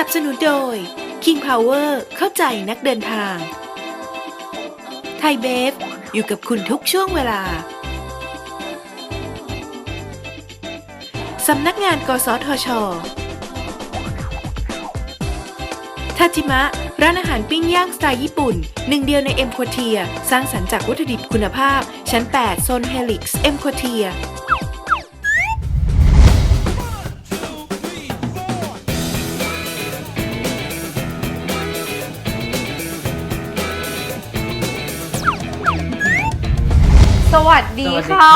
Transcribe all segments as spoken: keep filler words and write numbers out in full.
บสนุนโดย King Power เข้าใจนักเดินทางไทยเบฟอยู่กับคุณทุกช่วงเวลาสำนักงานกสทช.ทาจิมะร้านอาหารปิ้งย่างสไตล์ญี่ปุ่นหนึ่งเดียวในเอ็มโคเทียสร้างสรรค์จากวัตถุดิบคุณภาพชั้นแปดโซนเฮลิกซ์เอ็มโคเทียสวัสดีค่ะ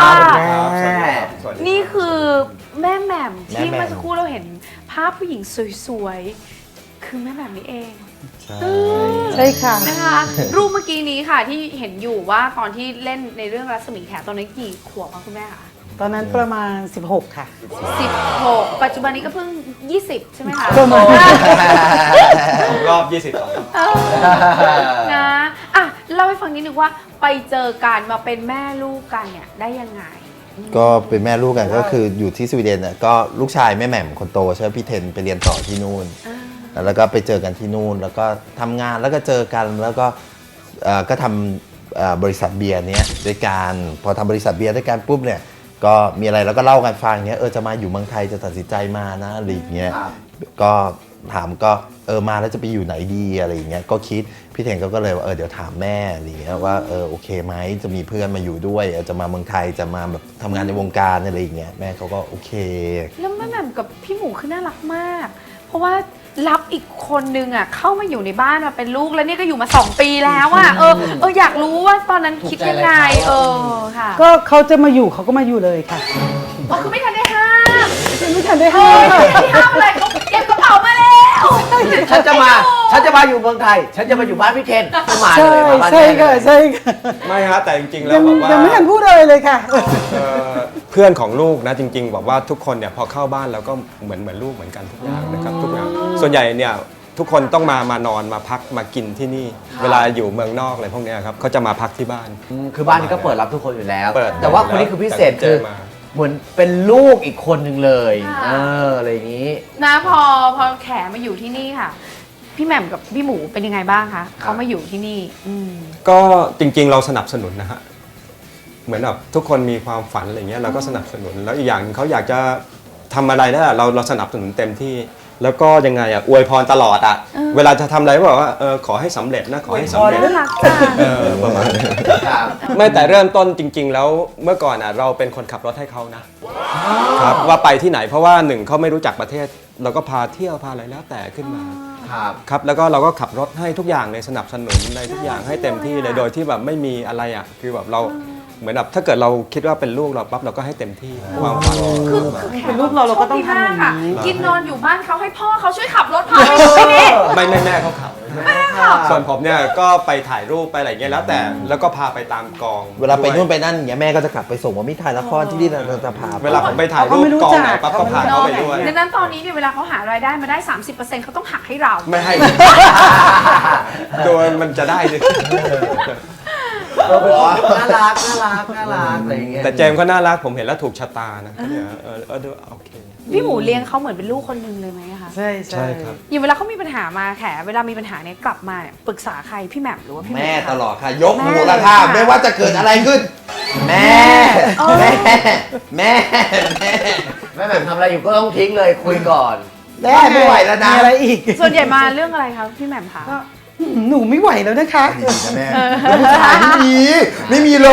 นี่คือแม่แหม่มที่เมื่อสักครู่เราเห็นภาพผู้หญิงสวยๆ คือแม่แหม่มนี่เองใช่ค่ะนะคะรูปเมื่อกี้นี้ค่ะที่เห็นอยู่ว่าตอนที่เล่นในเรื่องรัศมีแขตอนนั้นกี่ขวบคะคุณแม่คะตอนนั้นประมาณสิบหกค่ะสิบหกปัจจุบันนี้ก็เพิ่งยี่สิบใช่ไหมคะประมาณรอบยี่สิบสองเออนะอ่ะเล่าให้ฟังนิดนึงว่าไปเจอกันมาเป็นแม่ลูกกันเนี่ยได้ยังไงก็เป็นแม่ลูกกันก็คืออยู่ที่สวีเดนน่ะก็ลูกชายแม่แหม่มคนโตใช่ไหมพี่เทนไปเรียนต่อที่นู่นแล้วก็ไปเจอกันที่นู่นแล้วก็ทำงานแล้วก็เจอกันแล้วก็เอ่อก็ทำเอ่อบริษัทเบียร์เนี้ยด้วยกันพอทำบริษัทเบียร์ด้วยกันปุ๊บเนี่ยก็มีอะไรแล้วก็เล่ากันฟังเนี้ยเออจะมาอยู่เมืองไทยจะตัดสินใจมานะอะไรอย่างเงี้ยก็ถามก็เออมาแล้วจะไปอยู่ไหนดีอะไรอย่างเงี้ยก็คิดพี่เทนก็เลยว่าเออเดี๋ยวถามแม่อะไรอย่างเงี้ยว่าเออโอเคไหมจะมีเพื่อนมาอยู่ด้วยจะมาเมืองไทยจะมาแบบทำงานในวงการอะไรอย่างเงี้ยแม่เขาก็โอเคแล้วแม่แหม่มกับพี่หมูคือน่ารักมาก เพราะว่ารับอีกคนนึงอ่ะเข้ามาอยู่ในบ้านมาเป็นลูกแล้วนี่ก็อยู่มาสองปีแล้วอ่ะเออเอออยากรู้ว่าตอนนั้นคิดยังไงเออค่ะก็เขาจะมาอยู่เขาก็มาอยู่เลยค่ะอ๋อคือไม่ทันได้ห้ามไม่ทันได้เอห้าอมไม่ทันได้ห้ามอะไรเขาเก็บกระเป๋ามาแล้วฉันจะมา ฉันจะมาอยู่เมืองไทย ฉันจะมาอยู่บ้านพี่เทนก็มาเลใช่ยมาบ้านใช่แม่เลค่ะยใช่ค่ะไม่ฮะแต่จริงๆแล้ยัวงบอกว่ายังไม่ทันพูดเลยเลยค่ะเอ่อเพื่อนของลูกนะจริง ๆ บอกว่าทุกคนเนี่ยพอเข้าบ้านแล้วก็เหมือนเหมือนลูกเหมือนกันทุกอย่างนะครับทุกอย่างส่วนใหญ่เนี่ยทุกคนต้องมามานอนมาพักมากินที่นี่ เวลาอยู่เมืองนอกอะไรพวกเนี้ยครับเขาจะมาพักที่บ้านอืมคือบ้านนี้ก็เปิดรับทุกคนอยู่แล้วเปิดแต่ว่าคนนี้คือพิเศษเจคืออมาเหมือนเป็นลูกอีกคนหนึ่งเลย เอออะไรอย่างนี้นะพอพอแขมาอยู่ที่นี่ค่ะ พี่แหม่มกับพี่หมูเป็นยังไงบ้างคะเขามาอยู่ที่นี่อืมก็จริงๆเราสนับสนุนนะฮะเหมือนแบบทุกคนมีความฝันอะไรเงี้ยเราก็สนับสนุนแล้วอีกอย่างเขาอยากจะทำอะไรได้เราเราสนับสนุนเต็มที่ แล้วก็ยังไงอ่ะอวยพรตลอดอ่ะเวลาจะทำอะไรก็บอกว่าเออขอให้สำเร็จนะขอให้สำเร็จน่ารักจังเออประมาณนี้ไม่แต่เริ่มต้นจริง ๆ แล้วเมื่อก่อนอ่ะเราเป็นคนขับรถให้เขานะครับว่าไปที่ไหนเพราะว่าหนึ่งเขาไม่รู้จักประเทศ เราก็พาเที่ยวพาอะไรแล้วแต่ขึ้นมาครับครับแล้วก็เราก็ขับรถให้ทุกอย่างเลยสนับสนุนในทุกอย่างให้เต็มที่เลยโดยที่แบบไม่มีอะไรอ่ะคือแบบเราเหมือนแบบถ้าเกิดเราคิดว่าเป็นลูกเราปั๊บเราก็ให้เต็มที่ความฝันคือคือแขเป็นลูกเราเราก็ต้องทำอย่างนี้โชคดีมกะกินนอนอยู่บ้านเขาให้พ่อเขาช่วยขับรถพาไปที่นี่ไม่ไม่แม่เขาขับส่วนผมเนี่ยก็ไปถ่ายรูปไปอะไรเงี้ยแล้วแต่แล้วก็พาไปตามกองเวลาไปนู่นไปนั่นอย่างเงี้ยแม่ก็จะกลับไปส่งว่ามิถ่ายละครที่นี่เราจะพาไปเวลาผมไปถ่ายรูปกองไหนปั๊บก็พาเขาไปด้วยดังนั้นตอนนี้เนี่ยเวลาเขาหารายได้มาได้ สามสิบเปอร์เซ็นต์ เขาต้องหักให้เราไม่ให้ โดยมันจะได้ดิเออเป็นคนน่ารักน่ารักน่ารักอะไรอย่างเงี้ยแต่เจมส์ก็น่ารักผมเห็นแล้วถูกชะตานะก็เนี่ยเออเออดูโอเคพี่หมูเลี้ยงเขาเหมือนเป็นลูกคนหนึ่งเลยไหมคะใช่ใช่ครับอย่างเวลาเขามีปัญหามาแขเวลามีปัญหาเนี่ยกลับมาเนี่ยปรึกษาใครพี่แหม่มหรือว่าพี่หมูแม่คะตลอดค่ะ ยกหูละค่ะไม่ว่าจะเกิดอะไรขึ้น แม่ แม่ แม่ แม่แม่แหม่มทำอะไรอยู่ก็ต้องทิ้งเลยคุยก่อนแม่ไม่ไหวแล้วนะมีอะไรอีกส่วนใหญ่มาเรื่องอะไรคะพี่แหม่มคะก็หนูไม่ไหวแล้วนะคะดีนะแม่ผู้ชายไม่มีไม่มีเลย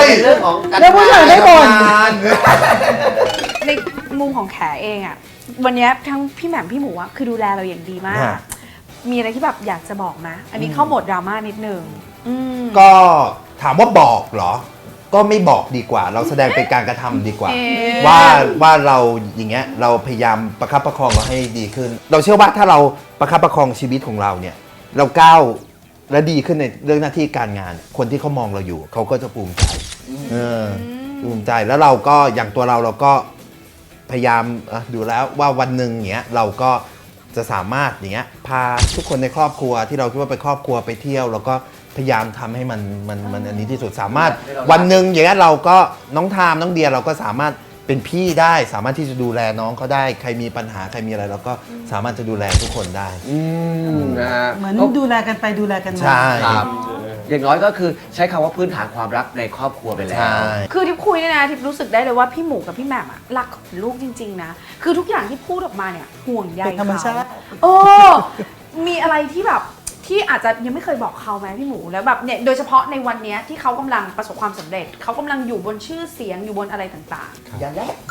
เป็นเรื่องของการแล้วผู้ชายได้บ่นงานในมุมของแขเองอะวันนี้ทั้งพี่แหม่มพี่หมูอะคือดูแลเราอย่างดีมาก มีอะไรที่แบบอยากจะบอกนะ อันนี้เข้าโหมดดราม่านิดนึงอืมก็ถามว่าบอกเหรอ ก็ไม่บอกดีกว่า เราแสดงเป็นการกระทำดีกว่าเอ๊ะว่าว่าเราอย่างเงี้ยเราพยายามประคับประคองเราให้ดีขึ้น เราเชื่อว่าถ้าเราประคับประคองชีวิตของเราเนี่ยเราก้าวและดีขึ้นในเรื่องหน้าที่การงาน คนที่เขามองเราอยู่เขาก็จะภูมิใจเออภูมิใจแล้วเราก็อย่างตัวเราเราก็พยายามเอ่อดูแล้วว่าวันหนึ่งเนี้ยเราก็จะสามารถอย่างเงี้ยพาทุกคนในครอบครัวที่เราคิดว่าเป็นครอบครัวไปเที่ยวแล้วก็พยายามทำให้มันมันมันอันนี้ที่สุดสามารถวันหนึ่งอย่างเงี้ยเราก็น้องทามน้องเดียเราก็สามารถไปเป็นพี่ได้สามารถที่จะดูแลน้องเขาได้ใครมีปัญหาใครมีอะไรเราก็สามารถจะดูแลทุกคนได้อืมนะฮะเหมือนดูแลกันไปดูแลกันมาใช่ครับอย่างน้อยก็คือใช้คำว่าพื้นฐานความรักในครอบครัวไปแล้วใช่คือทิพย์คุยเนี่ยนะทิพย์รู้สึกได้เลยว่าพี่หมูกับพี่แหม่มอะรักของลูกจริงๆนะคือทุกอย่างที่พูดออกมาเนี่ยห่วงใยเป็นธรรมชาติโอ้มีอะไรที่แบบที่อาจจะยังไม่เคยบอกเขาไหมพี่หมูแล้วแบบเนี่ยโดยเฉพาะในวันเนี้ยที่เขากำลังประสบความสำเร็จเขากำลังอยู่บนชื่อเสียงอยู่บนอะไรต่างอย่าแลก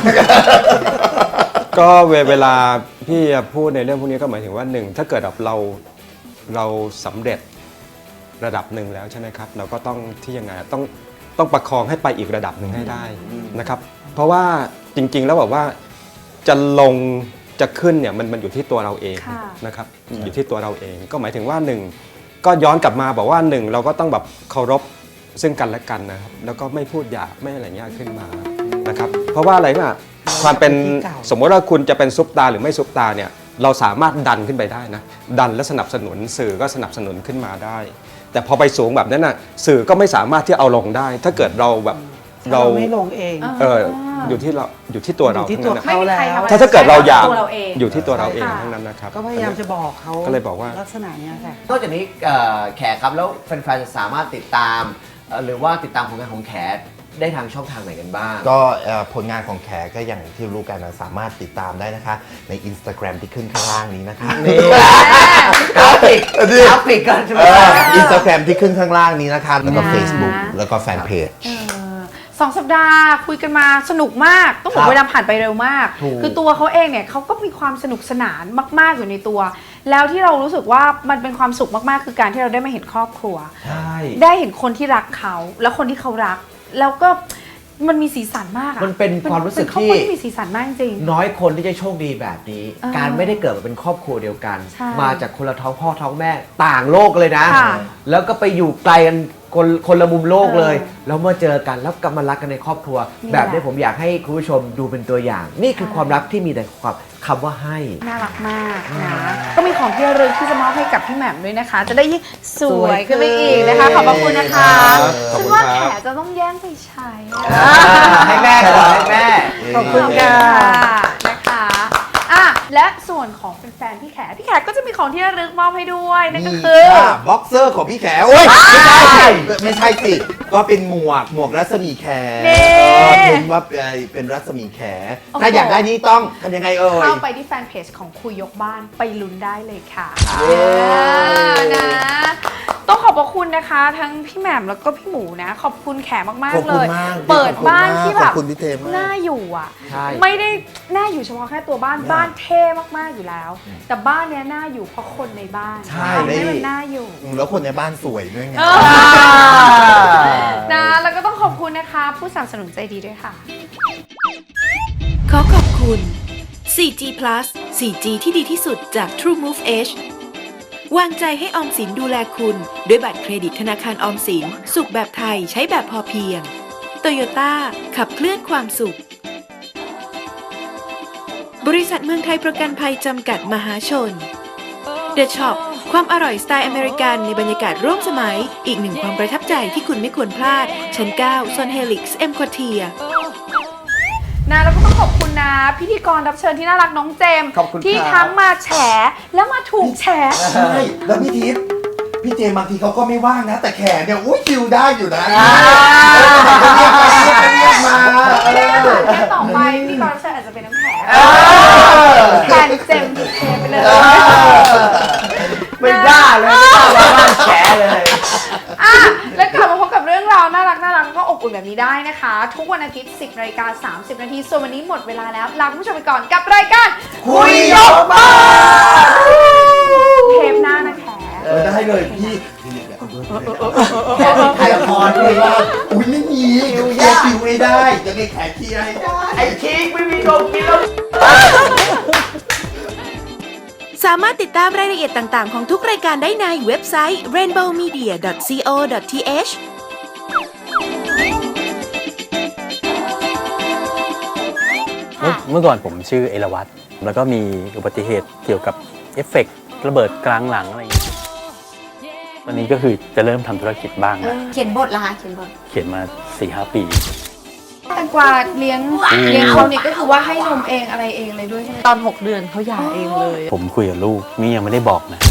ก็เวเวลาพี่พูดในเรื่องพวกนี้ก็หมายถึงว่าหนึ่งถ้าเกิดแบบเราเราสำเร็จระดับหนึ่งแล้วใช่ไหมครับ เราก็ต้องที่ยังไงต้องต้องประคองให้ไปอีกระดับหนึ่งให้ได้นะครับ เพราะว่าจริงๆแล้วแบบว่าจะลงจะขึ้นเนี่ยมันมันอยู่ที่ตัวเราเองนะครับอยู่ที่ตัวเราเองก็หมายถึงว่าหนึ่งก็ย้อนกลับมาบอกว่าหนึ่งเราก็ต้องแบบเคารพซึ่งกันและกันนะครับแล้วก็ไม่พูดหยาบไม่อะไรเงี้ยขึ้นมานะครับเพราะว่าอะไรนะความเป็นสมมติว่าคุณจะเป็นซุปตาหรือไม่ซุปตาเนี่ยเราสามารถดันขึ้นไปได้นะดันและสนับสนุนสื่อก็สนับสนุนขึ้นมาได้ แต่พอไปสูงแบบนั้นน่ะสื่อก็ไม่สามารถที่เอาลงได้ ถ้าเกิดเราแบบเราไม่ลงเองเอออยู่ที่เราอยู่ที่ตัวเราอยู่ที่ทั้งตัวนั้นๆไม่มีใครทำอะไรถ้าถ้าเกิดเราอยากตัวเราเองอยู่ที่ตัวเราเองค่ะทั้งนั้นนะครับก็พยายามจะบอกเขาก็เลยบอกว่าลักษณะเนี้ยค่ะนอกจากนี้เอ่อแขกครับแล้วแฟนๆจะสามารถติดตามเอ่อหรือว่าติดตามผลงานของแขกได้ทางช่องทางไหนกันบ้างก็เอ่อผลงานของแขกก็อย่างที่รู้กันนะสามารถติดตามได้นะคะ ใน Instagram ที่ขึ้นข้างล่างนี้นะคะนี่กราฟิกกราฟิกกันใช่ไหมอินสตาแกรมที่ขึ้นข้างล่างนี้นะคะ แล้วก็นะ Facebook แล้วก็แฟนเพจเออสองสัปดาห์คุยกันมาสนุกมาก ต้องบอกเวลาผ่านไปเร็วมากถูกคือตัวเขาเองเนี่ยเขาก็มีความสนุกสนานมาก ๆ อยู่ในตัว แล้วที่เรารู้สึกว่ามันเป็นความสุขมาก ๆ คือการที่เราได้มาเห็นครอบครัวใช่ได้เห็นคนที่รักเขา แล้วคนที่เขารัก แล้วก็มันมีสีสันมากอะมันเป็นความรู้สึกเป็นครอบที่ครัวที่มีสีสันมากจริงน้อยคนที่จะโชคดีแบบนี้เออการไม่ได้เกิดมาเป็นครอบครัวเดียวกันใช่มาจากคนละท้องพ่อท้องแม่ต่างโลกเลยนะค่ะแล้วก็ไปอยู่ไกลกันคนคนละมุมโลกเลยเออแล้วมาเจอกันแล้วกลับมารักกันในครอบครัวนี่แบบนี้แหละผมอยากให้คุณผู้ชมดูเป็นตัวอย่าง นี่คือใช่ความรักที่มีแต่ความคำว่าให้น่ารักมากนะ ก็มีของที่ระลึกที่จะมอบให้กับพี่แหม่มด้วยนะคะ จะได้ยิ่งสวยขึ้นไปอีกนะคะ ขอบพระคุณนะคะครับขอบฉันคุณว่าครับแขจะต้องแย่งไปใช้อะให้แม่ก่อนให้แม่ขอบคุณค่ะนะคะอ่ะและส่วนของแฟนๆพี่แขพี่แขก็จะมีของที่ระลึกมอบให้ด้วยนั่นก็คือบ็อกเซอร์ของพี่แขโอ้ยไม่ใช่ไม่ใช่สิ ก็เป็นหมวกหมวกรัศมีแขนี่เออเป็นว่าเป็นรัศมีแขโอ้โหถ้าอยากได้นี้ต้องทำยังไงเอ่ยเข้าไปที่แฟนเพจของคุยยกบ้านไปลุ้นได้เลยค่ะเย้นะ ต้องขอบพระคุณนะคะ ทั้งพี่แหม่มแล้วก็พี่หมูนะ ขอบคุณแขมากขอบๆ เลคุณยมากเปิดบ้านที่แบบขอบคุณพี่เทมากน่าอยู่อ่ะใช่ไม่ได้น่าอยู่เฉพาะแค่ตัวบ้านบ้านเท่มากๆอยู่แล้ว แต่บ้านเนี้ยน่าอยู่เพราะคนในบ้านใช่ทำให้มันน่าอยู่แล้วคนในบ้านสวยด้วยไงเออนะแล้วก็ต้องขอบคุณนะคะ ผู้สนับสนุนใจดีด้วยค่ะขอขอบคุณ โฟร์จี Plus โฟร์จี ที่ดีที่สุดจาก TrueMove Edge วางใจให้ออมสินดูแลคุณ ด้วยบัตรเครดิตธนาคารออมสิน สุขแบบไทยใช้แบบพอเพียง โตโยต้าขับเคลื่อนความสุข บริษัทเมืองไทยประกันภัยจำกัดมหาชน The Shop ความอร่อยสไตล์อเมริกันในบรรยากาศร่วมสมัย อีกหนึ่งความประทับใจที่คุณไม่ควรพลาด ชั้น เก้า โซนเฮลิกซ์ เอ็ม ควอเทียนะแล้วก็ต้องขอบคุณนะพิธีกรรับเชิญที่น่ารักน้องเจมส์ขอบคุณที่ครับทั้งมาแฉแล้วมาถูกแฉใช่ แล้วพี่ทิพย์พี่เจมส์บางทีเขาก็ไม่ว่างนะ แต่แขนเนี่ยอุ้ยคิวได้อยู่นะเรียกมาไม่ได้มาแค่ต่อไปพิธีกรรับเชิญอาจจะเป็นน้ำแข็งแทนเจมส์ถูกเทไปเลยไม่ได้เลยไม่ได้มาบ้านแฉเลยอ่ะแล้วกลับมาพบกับเรื่องราวน่ารักน่ารักก็อบอุ่นแบบนี้ได้นะคะ ทุกวันอาทิตย์ สิบนาฬิกาสามสิบนาทีส่วนวันนี้หมดเวลาแล้วลาคุณผู้ชมไปก่อนกับรายการคุยยกบ้านเทปหน้านะแขเออได้เลยพี่ถ่ายละครเลยว่าอุ้ยไม่มีคิวคิวไม่ได้จะมีแขกเคลียร์ให้ได้ไอ้ชีกไม่มีโดนกินแล้วสามารถติดตามรายละเอียดต่างๆ ของทุกรายการได้ในเว็บไซต์ เรนโบว์มีเดีย ดอท ซี โอ ดอท ที เอชเมื่อเมื่อก่อนผมชื่อเอราวัตรแล้วก็มีอุบัติเหตุเกี่ยวกับเอฟเฟกต์ระเบิดกลางหลังอะไรอย่างเงี้ยตอนนี้ก็คือจะเริ่มทำธุรกิจบ้างแล้วเขียนบทละคะเขียนบทเขียนมา สี่ห้า ปีแตงกวาเลี้ยงเลี้ยงเขาเนี่ยก็คือว่าให้นมเองอะไรเองเลยด้วยใช่ไหมตอนหกเดือนเขาหย่าเองเลยผมคุยกับลูกนี่ยังไม่ได้บอกนะ